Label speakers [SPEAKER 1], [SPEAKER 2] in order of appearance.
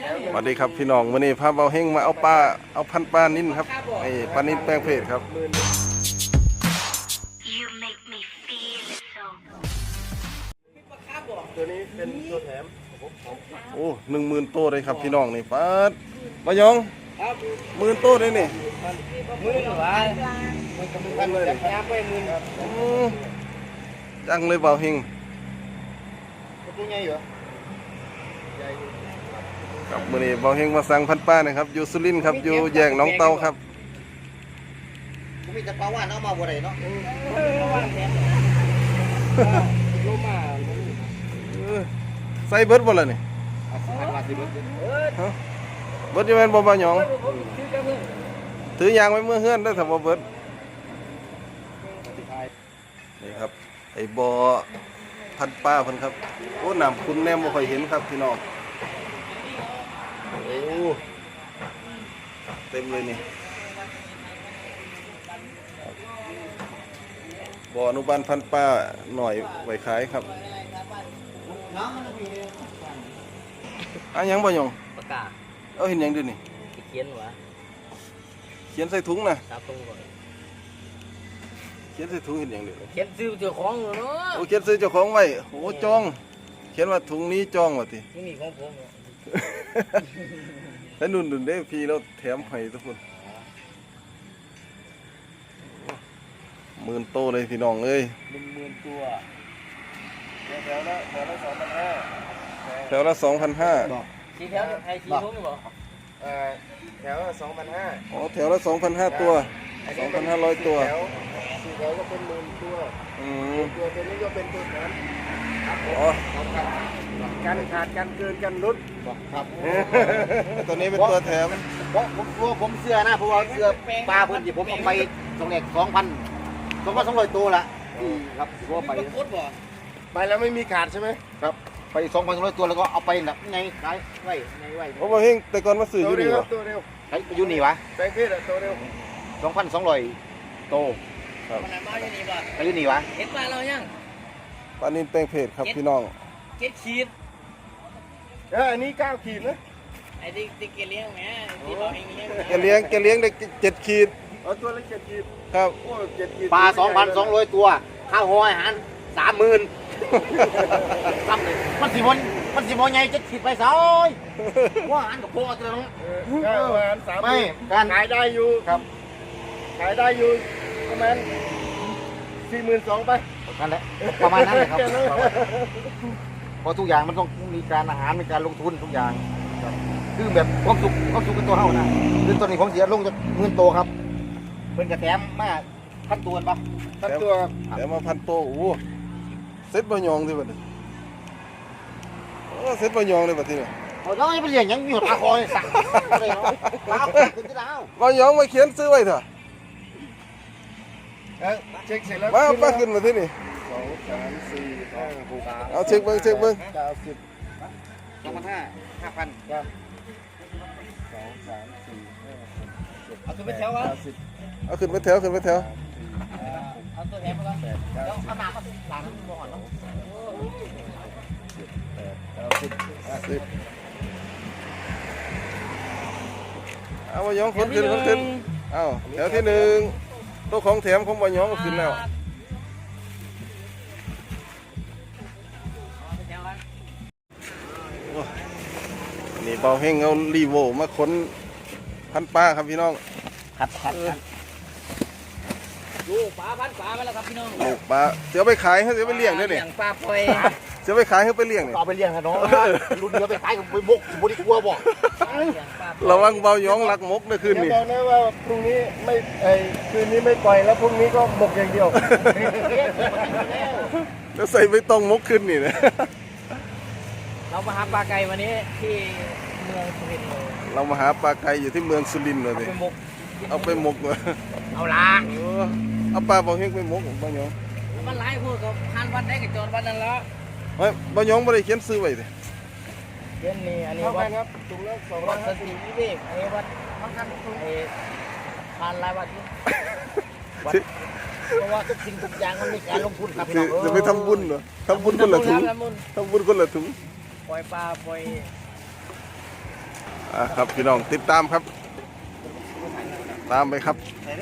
[SPEAKER 1] สวัสดีครับพี่น้องวันนี้พาเบาเฮงมาเอาปลาเอาพันปลานิ่นครับไอ้ปลานิ่นแป้งเพจครับ
[SPEAKER 2] You make me feel so
[SPEAKER 3] ตัวนี้เป็นตัวแถม
[SPEAKER 1] โอ้10,000ตัวเลยครับพี่น้องนี่ปลาบะยอง10,000ตัวเลยนี่
[SPEAKER 3] มือหรือว่ามือกับมือพันเลยจับยาไปมือครับ
[SPEAKER 1] จังเลยเบาเฮง
[SPEAKER 3] ตัวใหญ่เหรอ
[SPEAKER 1] ครับวันนี้เบาเฮงมาสั่งพันปลานะครับอยู่สุรินทร์ครับอยู่แยกหนองเตาครับ
[SPEAKER 3] กูมีแต่ปลาว่านเอามาบ่ได้เนาะ
[SPEAKER 1] ใส่เบิร์ดบ่ล่ะนี่
[SPEAKER 3] พันบาทสิเบิด
[SPEAKER 1] เบิร์ดจะเป็นบ่บะยองถือยางไว้เมื่อเฮือนได้อถ้าบ่เบิร์ดนี่ครับไอ้บ่อพันปลาเพิ่นครับโอ้น้ำคุณแนมบ่ค่อยเห็นครับพี่น้องโอ้เต็มเลยนี่บ่ออนุบาลพันปลาหน่อยไว้ขายครับอันยังบ่ยอง
[SPEAKER 4] ปากกา
[SPEAKER 1] เอาเห็นหยังดูนี่
[SPEAKER 4] เขียนวะ
[SPEAKER 1] เขียนใส่ถุงนะ
[SPEAKER 4] ตาตรงก่อน
[SPEAKER 1] เขียนใส่ถุงเห็นหยังดู
[SPEAKER 4] เขียนซื้อเจ้าของเนาะ
[SPEAKER 1] โอ้เขียนซื้อเจ้าของไว้โอ้จองเขียนว่าถุงนี้จองว่าติ
[SPEAKER 4] นี่มีของผม
[SPEAKER 1] แล้วนุ่นๆเด้พี่เราแถมให้ทุกคน10,000โตเลยพี่น้องเอ้ย
[SPEAKER 3] 10,000ตัวแถวละ2,500
[SPEAKER 1] แถวละ2,500
[SPEAKER 4] สีแถวไอ้สีทุ่งบอก
[SPEAKER 3] แถวละ2,500
[SPEAKER 1] อ๋อแถวละ2,500ตัว2,500ตัว
[SPEAKER 3] แถว4แถวก็เป็น10,000ตัว
[SPEAKER 1] อืม
[SPEAKER 3] ตัวนี้ก็เป็นตัวแถม
[SPEAKER 1] อ๋อ
[SPEAKER 3] กันขาดกันเกินกันลดครับ
[SPEAKER 1] ตัวนี้เป็นตัวแถม
[SPEAKER 5] เพราะผมเสื้อนะเพราะว่าเสื้อปลาเพิ่นที่ผมเอาไปส่งเด็ก2,200ตัวละครับที่ผมเอาไป
[SPEAKER 4] โคตรบ่
[SPEAKER 3] ไปแล้วไม่มีขาดใช่ไหม
[SPEAKER 5] ครับไป2,200ตัวแล้วก็เอาไปแบบไงขายไว้ไงไว้
[SPEAKER 1] โอ้บ่เฮงแต่ก่อนมาซื้ออยู่นี่บ่
[SPEAKER 3] ตัวเร็ว
[SPEAKER 5] ไปอยู่นี่วะ
[SPEAKER 3] แปลงเพศอะตัวเร็ว
[SPEAKER 5] 2,200โต
[SPEAKER 4] มันไหนมาอยู่นี่บ่
[SPEAKER 5] ไปอยู่นี่วะ
[SPEAKER 4] เห็นปลาเรายัง
[SPEAKER 1] ปลานินแป้งเพจครับพี่น้อง
[SPEAKER 4] เก็ดขีด
[SPEAKER 3] อันนี้9ขีดนะ
[SPEAKER 4] ไอ้ที่เกลี้ยงแหมที่เราเองเลี้ยง
[SPEAKER 1] แกเลี้ยงได้7ขีด
[SPEAKER 3] เอาตัวละ7ขีด
[SPEAKER 1] ครับ
[SPEAKER 3] โอ้7ขีด
[SPEAKER 5] ปลา 2,200 ตัวข้าวหอยอาหาร 30,000ซ้ำเลยมันสิบ่ใหญ่จะคิดไปซอยว่าอาหารกับพอตัวนึง
[SPEAKER 3] ข้าวอาหาร3
[SPEAKER 5] ไม่การ
[SPEAKER 3] ขายได้อยู่
[SPEAKER 5] ครับ
[SPEAKER 3] ขายได้อยู่ประมาณ42,000ไป
[SPEAKER 5] นั่นแหละประมาณนั้นเลยครับเพราะทุกอย่างมันต้องมีการอาหารมีการลงทุนทุกอย่างคือแบบความสุขเป็นตัวเฮานะคือตอนนี้ผมเสียลงจาก10,000ตัวครับเพิ่นจะแถมมาพันตัวปะ
[SPEAKER 3] ทั้งตัว
[SPEAKER 1] แต่มาพันโตโอ้เซ็ตบะยองสิบัดนี้โอ้เซ็ตบะยองเลยบัดนี้
[SPEAKER 5] เอาแล้วไปเลี้ยงยังมีปลาคอยสั่งอะไรเนาะปลาคอยขึ้นที่ดาว
[SPEAKER 1] บะยองมาเขียนซื้อไว้เถอะ
[SPEAKER 3] เช็คเสร็จแล้ว
[SPEAKER 1] มาป้าขึ้นมาที่นี่
[SPEAKER 3] 2 3 4 5 6
[SPEAKER 1] เอาเช็คเบิ่ง
[SPEAKER 3] 90
[SPEAKER 5] 2,500 5,000
[SPEAKER 3] 2 3 4 5
[SPEAKER 4] เอาตัวไปแถววะ
[SPEAKER 3] 10
[SPEAKER 1] เอาขึ้นไปแถว
[SPEAKER 4] เอาตัวแถมมาก่อนเดี๋ยวเอาน้ำมาล้างน้ำบ่อนเนาะ
[SPEAKER 1] 10เอาบะยองขึ้นเอาแถวที่1ตัวของแถมของบะยองก็ขึ้นแล้วนี่เบาเฮงเอารีโวมาขนพันปลาครับพี่น้อง
[SPEAKER 5] ครับ
[SPEAKER 4] ดูปลาพันปลาไปแล้วครับพี่น้อง
[SPEAKER 1] ลูกปลาเดี๋ยวไปขายให้เดี๋ยวไปเลี้ยงด้วยนี่
[SPEAKER 4] เลี้ยงปลาปล่อย
[SPEAKER 1] เดี๋ยวไปขายให้ไปเลี้ยงนี่
[SPEAKER 5] เอาไปเลี้ยงฮะน้องรุ่นเดียวไปขายกับไปบุกบ่ได้กลัวบ่
[SPEAKER 4] เลี้ยงปลาปล่อย
[SPEAKER 1] ระวังเบายองลักมกนะคืน
[SPEAKER 3] เดี๋ยว
[SPEAKER 1] นี้
[SPEAKER 3] บอกนะว่าพรุ่งนี้ไม่คืนนี้ไม่ปล่อยแล้วพรุ่งนี้ก็หมกอย่างเดียว
[SPEAKER 1] แล้วใส่ไม่ต้องมกขึ้นนี่นะ
[SPEAKER 4] เรามาหาปลาไก่วันนี้ที่เมืองสุรินทร์เลย
[SPEAKER 1] เรามาหาปลาไก่อยู่ที่เมืองสุรินทร์เลย
[SPEAKER 4] เอา
[SPEAKER 1] สิ
[SPEAKER 4] ไปหมก
[SPEAKER 1] เอาไปมกเลย
[SPEAKER 4] เอาละ
[SPEAKER 1] เอาปลาเบาเฮงไปมกเบายอง
[SPEAKER 4] มันหลายพวกกับพันวัดได้กับโจรวัดนั่นแล้ว
[SPEAKER 1] เฮ้ยเบายองไม่ได้เขียนซื้อไว้สิ
[SPEAKER 4] เช่นนี้อันนี้
[SPEAKER 3] เท่า
[SPEAKER 4] วั
[SPEAKER 3] กั
[SPEAKER 4] ด
[SPEAKER 3] นครับถุงละ
[SPEAKER 4] วัดสติวิเวกอันนี้วัดไอ้ผ่านหลายวัดอยู่วัดเพราะว่าทุกสิ่งทุกอย่างมันมีการลงทุนครับพี่น้อง
[SPEAKER 1] จะไปทำบุญเหรอทำบุญคนละถุง
[SPEAKER 4] ทำบุญ
[SPEAKER 1] ทำบุญคนละถุง
[SPEAKER 4] ปล่อยปลาปล่อย
[SPEAKER 1] ครับพี่น้องติดตามครับ ตามไปครับ